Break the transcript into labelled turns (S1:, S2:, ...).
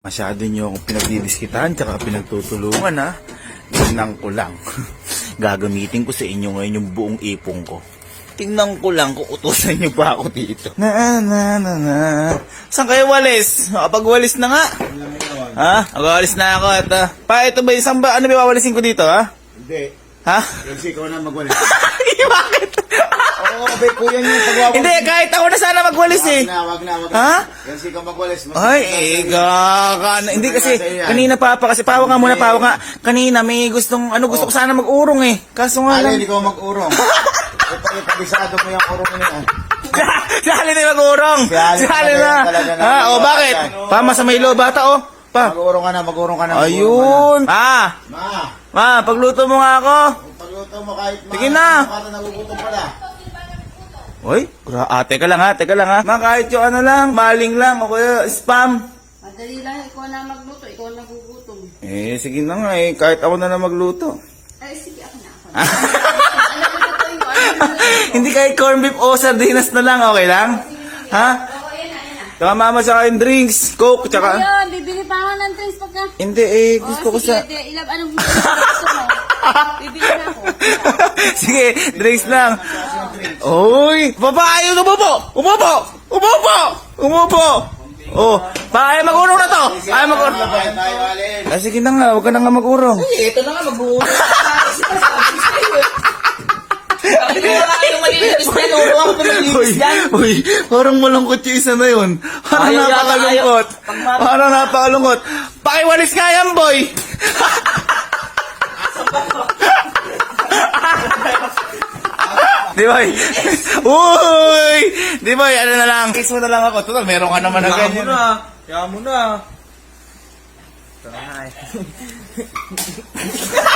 S1: Masyado nyo akong pinagdidiskitahan tsaka pinagtutulungan ha. Tingnan ko lang. Gagamitin ko sa inyo ngayon yung buong ipong ko. Tingnan ko lang kung utusan nyo pa ako dito. Saan kayo walis? Makapagwalis na nga. Ha? Magwalis na ako. Ito ba isang ba? Ano ba wawalisin ko dito ha?
S2: Hindi.
S1: Ha?
S2: Kasi ikaw na magwalis.
S1: Bakit?
S2: Oo, kuya niyo pagwawalis.
S1: Hindi, kahit ako na sana magwalis eh.
S2: Wag na.
S1: Ha?
S2: Kasi ikaw magwalis.
S1: Ay, hindi kasi, kanina kasi pawa nga muna, pawa nga. Kanina may gusto ko sana mag-urong eh. Kaso nga lang.
S2: Hindi ko mag-urong. Ipalisado mo yung urong niya.
S1: Si Alin na mag-urong. Si Alin na. Ha? O, bakit? Pa, sa may lo, bata o. Pa.
S2: Mag-urong ka na.
S1: Ayun. Ma, pagluto mo nga ako.
S2: Pagluto mo kahit
S1: sige na.
S2: Baka nagugutom pala.
S1: Uy, teka lang ha. Ma, kahit yung lang, maling lang, o kaya spam.
S3: Madali lang, ikaw na magluto, ikaw na gugutom.
S1: Sige na nga eh, kahit ako na magluto.
S3: Ay, sige, ako na.
S1: Hindi kahit corned beef o sardinas na lang, okay lang? Ha?
S3: Oo, yan na.
S1: Tsaka mama sa akin drinks, coke, tsaka...
S3: Ayun, bibili pa ako ng drinks pagka...
S1: Hindi gusto ko sa...
S3: Sige, anong gusto mo? Bibili na ako.
S1: Sige, drinks lang. Uy! Babae! Umupo! Oh, ayaw mag-urong na to! Ayaw mag-urong. Sige na nga, huwag ka na nga mag-urong.
S4: Ito na nga, mag-uurong. Yung malinis na yun, urong ako pinalinis yan.
S1: Uy, parang malungkot yung isa na yun. Parang napakalungkot. Parang napakalungkot. Pakiwalis nga yan, boy! Di boy? Uy! Di boy, ano na lang. Kiss mo na lang ako. Total, meron ka naman na ganyan.
S4: Kaya mo na.